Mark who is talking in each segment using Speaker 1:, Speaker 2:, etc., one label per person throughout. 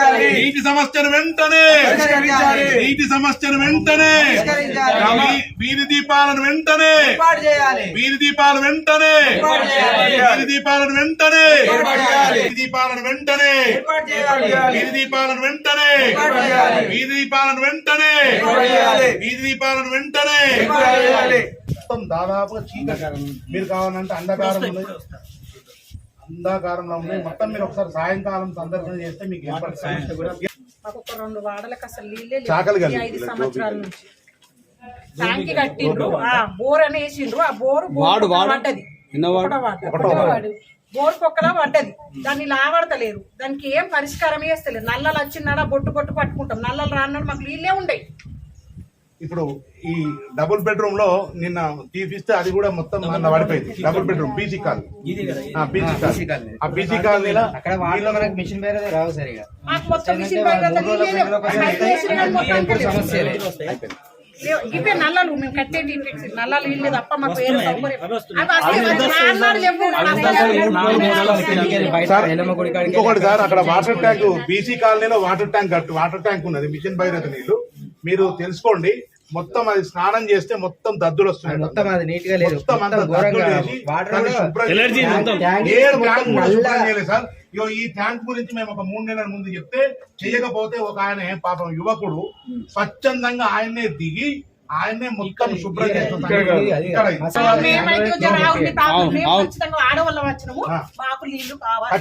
Speaker 1: నీటి సమస్యను వెంటనే వీధి దీపాలను వెంటనే వీధి దీపాలను వెంటనే వీధి దీపాలను వెంటనే వీధి దీపాలను వెంటనే వీధి దీపాలను వెంటనే వీధి దీపాలను వెంటనే వీధి దీపాలను వెంటనే మొత్తం దాదాపుగా చీకటి మీరు కావాలంటే అంధకారంలో ఉన్నాయి మొత్తం మీరు ఒకసారి సాయంకాలం సందర్శన చేస్తే మీకు సమస్య కూడా
Speaker 2: మాకు ఒక 2 వాడలకు అసలు నీళ్ళే లేవు 5 సంవత్సరాల నుంచి ట్యాంకి కట్టిండ్రు బోర్ అని వేసిండ్రు ఆ బోరు పడ్డది బోర్ పొక్కలా పడ్డది దాన్ని లావడతలేరు దానికి ఏం పరిష్కారం చేస్తలేరు నల్లలు వచ్చినాడా బొట్టు పట్టుకుంటాం నల్లలు రాన్నాడు మాకు నీళ్ళే ఉండేవి
Speaker 1: ఇప్పుడు ఈ డబుల్ బెడ్రూమ్ లో నిన్న తీపిస్తే అది కూడా మొత్తం పడిపోయింది డబుల్ బెడ్రూమ్ బీసీ కాలనీ ఆ బీసీ కాలనీలో
Speaker 3: మిషన్ వేరే రావు సరిగా
Speaker 2: ఇవే నల్లలు మేము కట్టేది నల్లలు ఇల్లు తప్ప మాకు వేరే
Speaker 1: ఇంకొకటి సార్ అక్కడ వాటర్ ట్యాంక్ బీసీ కాలనీలో వాటర్ ట్యాంక్ ఉన్నది మిషన్ భగీరథ నీళ్లు మీరు తెలుసుకోండి మొత్తం అది స్నానం చేస్తే మొత్తం దద్దులు వస్తున్నాయి
Speaker 3: మొత్తం అది నీట్ గా లేదు
Speaker 1: సార్ ఈ ట్యాంక్ గురించి మేము ఒక 3 నెలల ముందు చెప్తే చేయకపోతే ఒక ఆయన పాపం యువకుడు స్వచ్ఛందంగా ఆయన్నే దిగి ఆయన్నే మొత్తం శుభ్రం
Speaker 2: ఆడవాళ్ళ వచ్చినాము మాకు నీళ్లు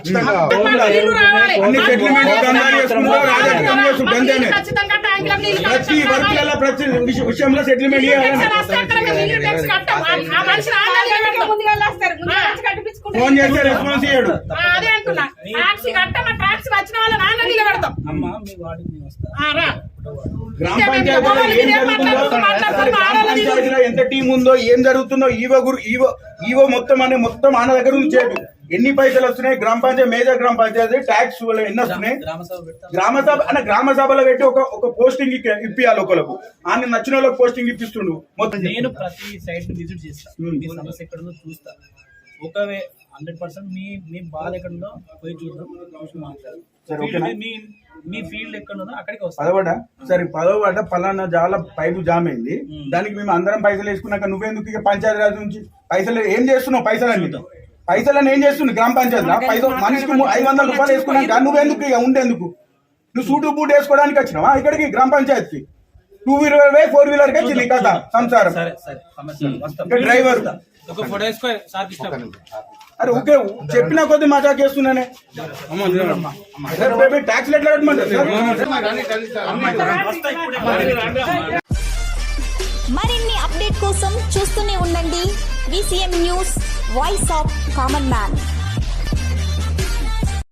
Speaker 4: విషయంలో సెటిల్మెంట్ ఫోన్ చేస్తే రెస్పాన్స్ ఇయ్యాడు
Speaker 2: అదే అంటున్నా టాక్సీ కట్టమా టాక్సీ వచ్చిన వాళ్ళ నాన్న నిలబెడతాం
Speaker 4: గ్రామ పంచాయతీలో ఏం జరుగుతుందో పంచాయతీలో ఎంత టీం ఉందో ఏం జరుగుతుందో ఈవో మొత్తం ఆన దగ్గర నుంచి చేయదు ఎన్ని పైసలు వస్తున్నాయి గ్రామ పంచాయతీ మేజర్ గ్రామ పంచాయతీ ట్యాక్స్ ఎన్ని వస్తున్నాయి గ్రామ సభలో పెట్టి ఒక పోస్టింగ్ ఇప్పియాలి ఒకరికి ఆయన నచ్చిన వాళ్ళకి పోస్టింగ్ ఇప్పిస్తుండు
Speaker 5: మొత్తం నేను ప్రతి సైట్ విజిట్ చేస్తాను మీ సమస్య ఎక్కడుందో చూస్తా ఒకవే 100% మీ బాధ ఎక్కడుందో పోయి చూద్దాం మాట్లాడు మీ ఫీల్డ్ ఎక్కడుందో అక్కడికి వస్తా
Speaker 4: సరే పదవబడ్డ పలానా జాల పైపు జామ్ అయింది దానికి మేము అందరం పైసలు వేసుకున్నాక నువ్వెందుకు ఇక పంచాయతీ రాజు నుంచి పైసలు ఏం చేస్తున్నావు పైసలని ఏం చేస్తుంది గ్రామ పంచాయతీ మనిషికి 500 రూపాయలు వేసుకున్నాక నువ్వెందుకు ఇక ఉండేందుకు నువ్వు సూటు బూట్ వేసుకోవడానికి వచ్చినావా ఇక్కడికి గ్రామ పంచాయతీకి 2 వీలర్ 4 వీలర్ కి వచ్చింది కదా సంసారం డ్రైవర్ అరే ఓకే చెప్పిన కొద్ది మజాక్ చేస్తున్నానే ట్యాక్స్ ఎట్లా
Speaker 6: మరిన్ని అప్డేట్ కోసం చూస్తూనే ఉండండి VCM news voice of common man.